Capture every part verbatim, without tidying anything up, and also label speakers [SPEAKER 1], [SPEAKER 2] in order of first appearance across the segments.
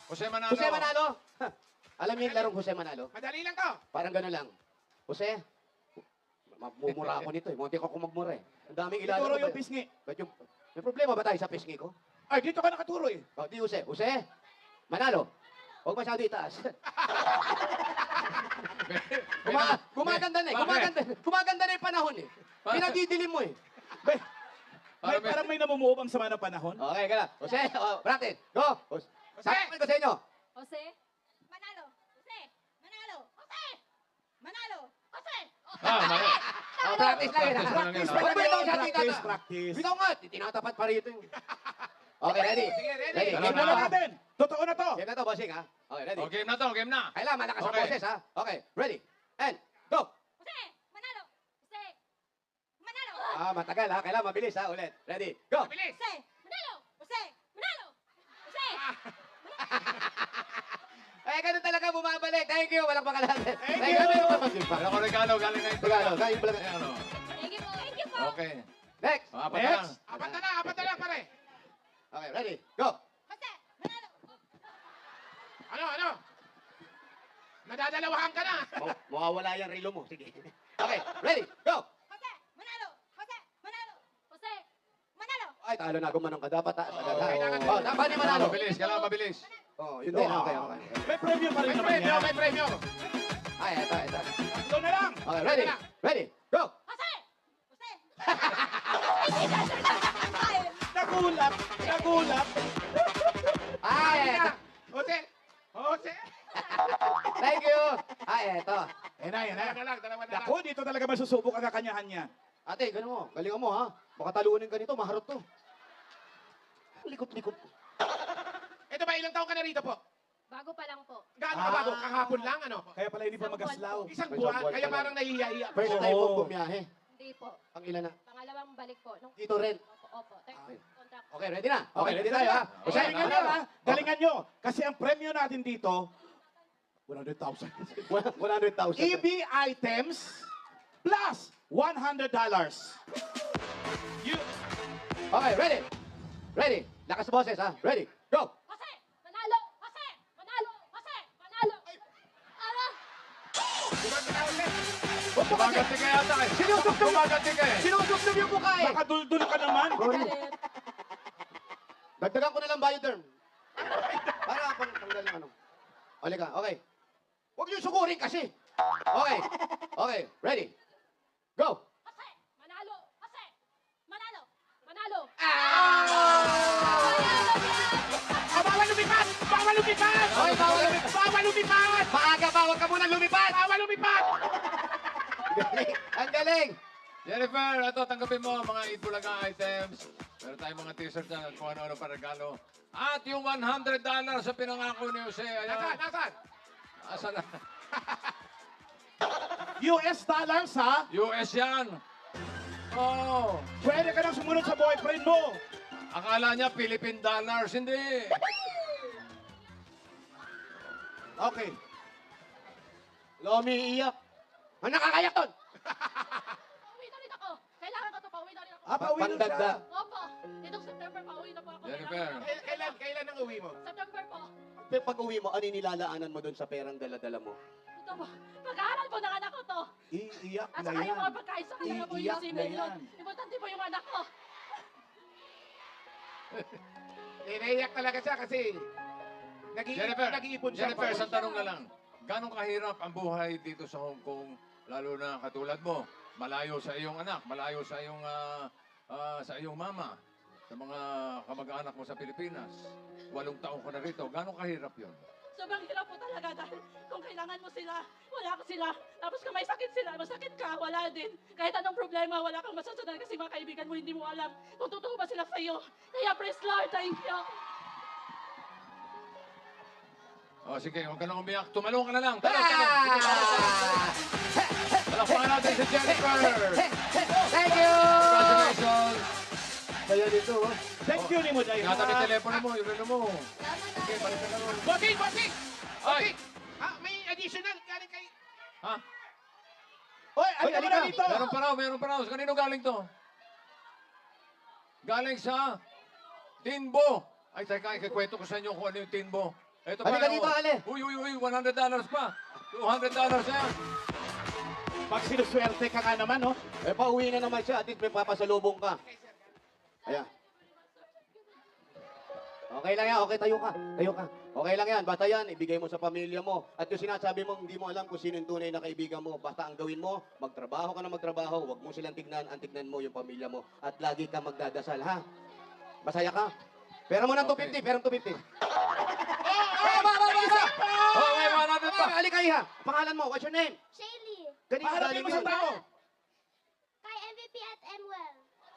[SPEAKER 1] Jose Manalo.
[SPEAKER 2] Jose Manalo. Ha, alam niyo yung larong Jose Manalo?
[SPEAKER 3] Madali lang to.
[SPEAKER 2] Parang gano'n lang. Jose, mamumura ako nito eh. Munti ko ako magmura eh. Ang daming ilalim.
[SPEAKER 3] Ituro
[SPEAKER 2] ko
[SPEAKER 3] yung
[SPEAKER 2] ba-
[SPEAKER 3] pisngi.
[SPEAKER 2] Ba't yung... May problema ba tayo sa pisngi ko?
[SPEAKER 3] Ay, dito ka nakaturo eh.
[SPEAKER 2] O, di Jose. Jose, Manalo. Huwag masyado itaas. Guma gumaganda na eh. Gumaganda, gumaganda na yung panahon eh. Pinadidilim mo eh.
[SPEAKER 3] May,
[SPEAKER 1] Para
[SPEAKER 3] may,
[SPEAKER 1] may-
[SPEAKER 3] parang may namumuo bang sama ng panahon?
[SPEAKER 2] Okay, gala. Jose, oh, practice. Go. Jose. Sakit ko sa inyo.
[SPEAKER 4] Jose? Manalo. Jose. Manalo. Jose. Manalo. Jose.
[SPEAKER 1] Ah, mali.
[SPEAKER 2] Oh, practice lang yun. ha?
[SPEAKER 1] Practice lang yun,
[SPEAKER 2] Huwag mo ito sa
[SPEAKER 3] Practice,
[SPEAKER 2] tita.
[SPEAKER 3] practice.
[SPEAKER 2] Bitaw nga, tinatapat pa rito yung... Okay, ready?
[SPEAKER 3] Sige, ready.
[SPEAKER 2] Ready.
[SPEAKER 1] Dalawa
[SPEAKER 2] Game
[SPEAKER 3] Tingnan
[SPEAKER 2] na
[SPEAKER 1] na.
[SPEAKER 2] to.
[SPEAKER 3] natin. Totoo na to.
[SPEAKER 2] Game na to, bossing ha. Okay, ready?
[SPEAKER 1] O, game na to, game na.
[SPEAKER 2] Kailangan malakas ang
[SPEAKER 1] Okay.
[SPEAKER 2] boses ha. Okay, ready? And, go!
[SPEAKER 4] Jose. Manalo. Jose. Manalo.
[SPEAKER 2] Ah, matagal ha. Kailangan mabilis ha. Ulit. Ready? Go!
[SPEAKER 3] Bilis.
[SPEAKER 4] Jose. Manalo. Jose. Manalo. Jose.
[SPEAKER 2] Eh, ganun talaga bumabalik. Thank you. Walang pakalanan.
[SPEAKER 3] Thank you.
[SPEAKER 1] Meron ko regalo, galing na ito.
[SPEAKER 2] Regalo, galing pala.
[SPEAKER 1] Ayan, ano.
[SPEAKER 4] Thank you po. Thank you po.
[SPEAKER 1] Okay.
[SPEAKER 2] Next.
[SPEAKER 1] O, apat na lang.
[SPEAKER 3] Next. Apat na lang, apat na lang pare.
[SPEAKER 2] Okay, ready? Go!
[SPEAKER 4] Jose. Manalo.
[SPEAKER 3] Ano, ano? Nadadalawahan ka na.
[SPEAKER 2] Maw- Mawawala yung relo mo. Sige. Okay, ready? Go!
[SPEAKER 4] Jose. Manalo. Jose. Manalo. Jose. Manalo.
[SPEAKER 2] Ay, talo na. Gumanong ka. Dapat taas. agad, ha?
[SPEAKER 3] kailangan-
[SPEAKER 2] Oh, dapat ni
[SPEAKER 1] Kailangan
[SPEAKER 2] Manalo.
[SPEAKER 1] mabilis, kailangan mabilis.
[SPEAKER 2] Oh, yun din. Okay, okay.
[SPEAKER 3] May premyo pa rin May naman premyo, yan. may premyo.
[SPEAKER 2] Ay, eto, eto.
[SPEAKER 3] Tatlo na lang.
[SPEAKER 2] Okay, ready? Ready? Go!
[SPEAKER 4] Jose. Jose.
[SPEAKER 3] Nagulat. Nagulat.
[SPEAKER 2] Ay, eto.
[SPEAKER 3] Jose. Jose.
[SPEAKER 2] Thank you. Ay, eto.
[SPEAKER 3] Yan na, yan na.
[SPEAKER 5] Dalawa na lang, dalawa na lang.
[SPEAKER 3] Naku, dito talaga masusubok ang kakanyahan niya.
[SPEAKER 2] Ate, ganun mo. Galingan mo, ha? Baka talunin ka nito. Maharot to. Likot-likot.
[SPEAKER 5] Ito ba, ilang taon ka na rito po?
[SPEAKER 4] Bago pa lang po.
[SPEAKER 5] Gaano ka
[SPEAKER 3] Ah.
[SPEAKER 5] bago? Kahapon lang, ano?
[SPEAKER 3] Kaya pala hindi pa
[SPEAKER 4] Isang
[SPEAKER 3] magaslaw.
[SPEAKER 5] Isang
[SPEAKER 2] Isang
[SPEAKER 5] buwan,
[SPEAKER 2] buwan
[SPEAKER 5] kaya
[SPEAKER 2] pa lang.
[SPEAKER 5] parang nahihiya-hiya.
[SPEAKER 2] First
[SPEAKER 3] Oo.
[SPEAKER 2] time mo bumiyahe.
[SPEAKER 4] Hindi po.
[SPEAKER 2] Ang ilan na?
[SPEAKER 4] Pangalawang balik po. Nung...
[SPEAKER 2] Dito rin.
[SPEAKER 4] Opo, opo. Tek-
[SPEAKER 2] Okay.
[SPEAKER 4] contract.
[SPEAKER 2] Okay, ready na? Okay, ready tayo, ha?
[SPEAKER 1] Okay.
[SPEAKER 3] Galingan nyo, ha? Galingan nyo. Kasi ang premyo natin dito, one hundred thousand.
[SPEAKER 2] one hundred thousand.
[SPEAKER 3] E B items plus one hundred dollars. You,
[SPEAKER 2] Okay, ready? Ready? Lakas sa boses, ha? Ready? Go!
[SPEAKER 4] Jose! Manalo! Jose! Manalo! Jose! Manalo! Ano?
[SPEAKER 2] Huwag mo kasi!
[SPEAKER 1] Gumaganti ka yata eh.
[SPEAKER 2] Sinusubsob!
[SPEAKER 1] Gumaganti ka eh.
[SPEAKER 2] Sinusubsob yung mukha, eh!
[SPEAKER 3] baka duldul ka naman.
[SPEAKER 4] Galit.
[SPEAKER 2] Dagdagan ko na lang bioderm. Para pang tanggal ng ano. Oli ka, okay. Huwag niyo sukurin kasi. Okay. Okay, ready? Go!
[SPEAKER 4] Jose! Manalo! Jose! Manalo! Manalo!
[SPEAKER 5] Ah, bawal lumipad! Bawal lumipad!
[SPEAKER 2] Okay, bawal lumipad.
[SPEAKER 5] Bawal lumipad!
[SPEAKER 2] Maaga pa, huwag ka munang lumipad!
[SPEAKER 5] Bawal lumipad!
[SPEAKER 2] Galing. Ang galing!
[SPEAKER 1] Jennifer, ito, tanggapin mo ang mga Itbulaga items. Meron tayong mga t-shirt dyan at kung ano-ano pa regalo. At yung one hundred dollars sa pinangako ni Jose.
[SPEAKER 5] Nasaan?
[SPEAKER 1] Ayan.
[SPEAKER 5] Nasaan?
[SPEAKER 1] Asa na?
[SPEAKER 3] U S dollars, ha?
[SPEAKER 1] U S yan. Oh.
[SPEAKER 3] Pwede ka nang sumunod sa boyfriend mo.
[SPEAKER 1] Akala niya Philippine dollars. Hindi.
[SPEAKER 3] Okay.
[SPEAKER 2] Lomi iiyak. Ang nakakayak doon!
[SPEAKER 4] Pauwi na rin ako! Kailangan ko to, pauwi na rin ako.
[SPEAKER 3] Ah, pauwi na siya.
[SPEAKER 2] Pandagdag.
[SPEAKER 4] Opo! Itong September, pauwi na po ako.
[SPEAKER 1] Jennifer.
[SPEAKER 4] Kailangan ko-
[SPEAKER 5] Kail- Kailan, kailan ang uwi mo?
[SPEAKER 4] September po.
[SPEAKER 2] Pero pag uwi mo, ano yung nilalaanan mo doon sa perang dala-dala mo?
[SPEAKER 4] Ito po. Pag-aaral po ng anak ko to.
[SPEAKER 3] Iiyak
[SPEAKER 4] At
[SPEAKER 3] na
[SPEAKER 4] saka yung mga
[SPEAKER 3] yan.
[SPEAKER 4] pagkain sa kanila po
[SPEAKER 3] Iiyak
[SPEAKER 4] yung
[SPEAKER 3] na
[SPEAKER 4] sinay yun.
[SPEAKER 3] yan.
[SPEAKER 4] Importante po yung anak ko.
[SPEAKER 5] Inaiyak talaga siya kasi nag-iipon,
[SPEAKER 1] Jennifer,
[SPEAKER 5] nag-iipon siya.
[SPEAKER 1] Jennifer, isang tanong na lang. Gano'ng kahirap ang buhay dito sa Hong Kong, lalo na katulad mo, malayo sa iyong anak, malayo sa iyong ah, ah, sa iyong mama, sa mga kamag-anak mo sa Pilipinas. Walong taong ka na rito. Gano'ng kahirap yon?
[SPEAKER 4] Sobrang hirap po talaga dahil kung kailangan mo sila, wala ka sila. Tapos kung may sakit sila, masakit ka, wala din. Kahit anong problema, wala kang masasadan kasi mga kaibigan mo hindi mo alam kung totoo ba sila sa'yo. Kaya praise Lord, thank you.
[SPEAKER 1] O sige, huwag ka nang umiyak. Tumalong ka na lang. Talong, talong. Sige, talong, talong. Palakpakan natin si Jennifer.
[SPEAKER 2] Thank you!
[SPEAKER 1] Congratulations.
[SPEAKER 2] Kaya dito, oh.
[SPEAKER 3] Thank you ni mo, Jai.
[SPEAKER 1] Ingatan yung telepono mo, yung relo mo.
[SPEAKER 4] Salamat
[SPEAKER 1] Okay, balik ka na ron.
[SPEAKER 5] Bossing! Bossing!
[SPEAKER 1] Ay!
[SPEAKER 5] Bossing! Ah, may additional galing kay...
[SPEAKER 1] Ha?
[SPEAKER 3] Oy,
[SPEAKER 2] Hoy,
[SPEAKER 3] ano mo
[SPEAKER 2] halika.
[SPEAKER 3] na dito?
[SPEAKER 1] Meron pa raw, meron pa raw. Sa kanino galing to? Galing sa Tinbo. Ay, teka, ikikwento ko sa inyo kung ano yung Tinbo. Ito
[SPEAKER 2] Halika
[SPEAKER 1] oh.
[SPEAKER 2] dito, Ale.
[SPEAKER 1] Uy, uy, uy, one hundred dollars pa. two hundred dollars na yan.
[SPEAKER 3] Pag sinuswerte ka nga naman, no?
[SPEAKER 2] Eh, pauwi na naman siya. At least may papasalubong ka. Ayan. Okay lang yan. Okay, tayo ka. Tayo ka. Okay lang yan. Basta yan, ibigay mo sa pamilya mo. At yung sinasabi mo, hindi mo alam kung sino yung tunay na kaibigan mo. Basta ang gawin mo, magtrabaho ka na magtrabaho. Huwag mo silang tignan. Ang tignan mo yung pamilya mo. At lagi ka magdadasal, ha? Masaya ka? Pera mo ng two fifty. Pera ng two fifty. Oh, ba, ba, ba, ba.
[SPEAKER 1] Oh, may one hundred pa.
[SPEAKER 2] Ah, halika, iha. Pangalan mo, what's your name?
[SPEAKER 6] Shaylee,
[SPEAKER 2] Kanina
[SPEAKER 3] Paharapin
[SPEAKER 2] galing
[SPEAKER 3] mo sa
[SPEAKER 2] yun.
[SPEAKER 3] tao.
[SPEAKER 6] kay M V P at Emwell.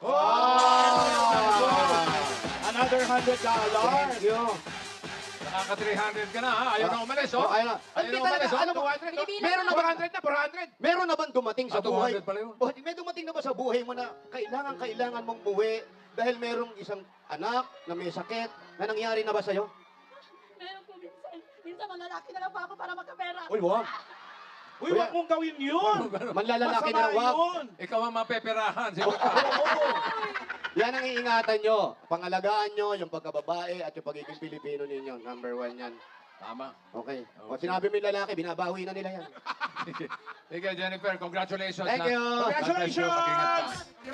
[SPEAKER 2] Oh!
[SPEAKER 3] Another hundred dollars.
[SPEAKER 2] Thank you.
[SPEAKER 1] Nakaka three hundred ka na, ha? Ayaw na umalis, oh.
[SPEAKER 2] Oh, ayun na.
[SPEAKER 1] Ayaw
[SPEAKER 2] Hindi
[SPEAKER 1] na
[SPEAKER 2] talaga,
[SPEAKER 1] umalis, oh.
[SPEAKER 2] alam mo,
[SPEAKER 3] two hundred, no?
[SPEAKER 2] meron na
[SPEAKER 3] four
[SPEAKER 2] ba,
[SPEAKER 3] hundred na, four hundred.
[SPEAKER 2] meron na bang dumating sa
[SPEAKER 1] Ah, two
[SPEAKER 2] buhay?
[SPEAKER 1] hundred pala yun.
[SPEAKER 2] Oh, may dumating na ba sa buhay mo na kailangan, kailangan mong buwi dahil merong isang anak na may sakit na nangyari na ba sa'yo?
[SPEAKER 4] Meron po minsan. Minsan malalaki na lang po ako para magkapera.
[SPEAKER 2] Uy, wag.
[SPEAKER 3] Uy, wag mong gawin yun.
[SPEAKER 2] Manlalalaki na
[SPEAKER 3] Masama
[SPEAKER 2] wag.
[SPEAKER 3] yun.
[SPEAKER 1] Ikaw ang mapeperahan. Sige ka.
[SPEAKER 3] Oo.
[SPEAKER 2] Yan ang iingatan nyo. Pangalagaan nyo, yung pagkababae at yung pagiging Pilipino ninyo. Number one yan.
[SPEAKER 1] Tama.
[SPEAKER 2] Okay. O
[SPEAKER 1] Okay.
[SPEAKER 2] sinabi mo yung lalaki, binabawi na nila yan.
[SPEAKER 1] Sige, Jennifer, congratulations.
[SPEAKER 2] Thank
[SPEAKER 1] ha?
[SPEAKER 2] you.
[SPEAKER 1] God bless you. Mag-ingat ka.
[SPEAKER 3] Congratulations!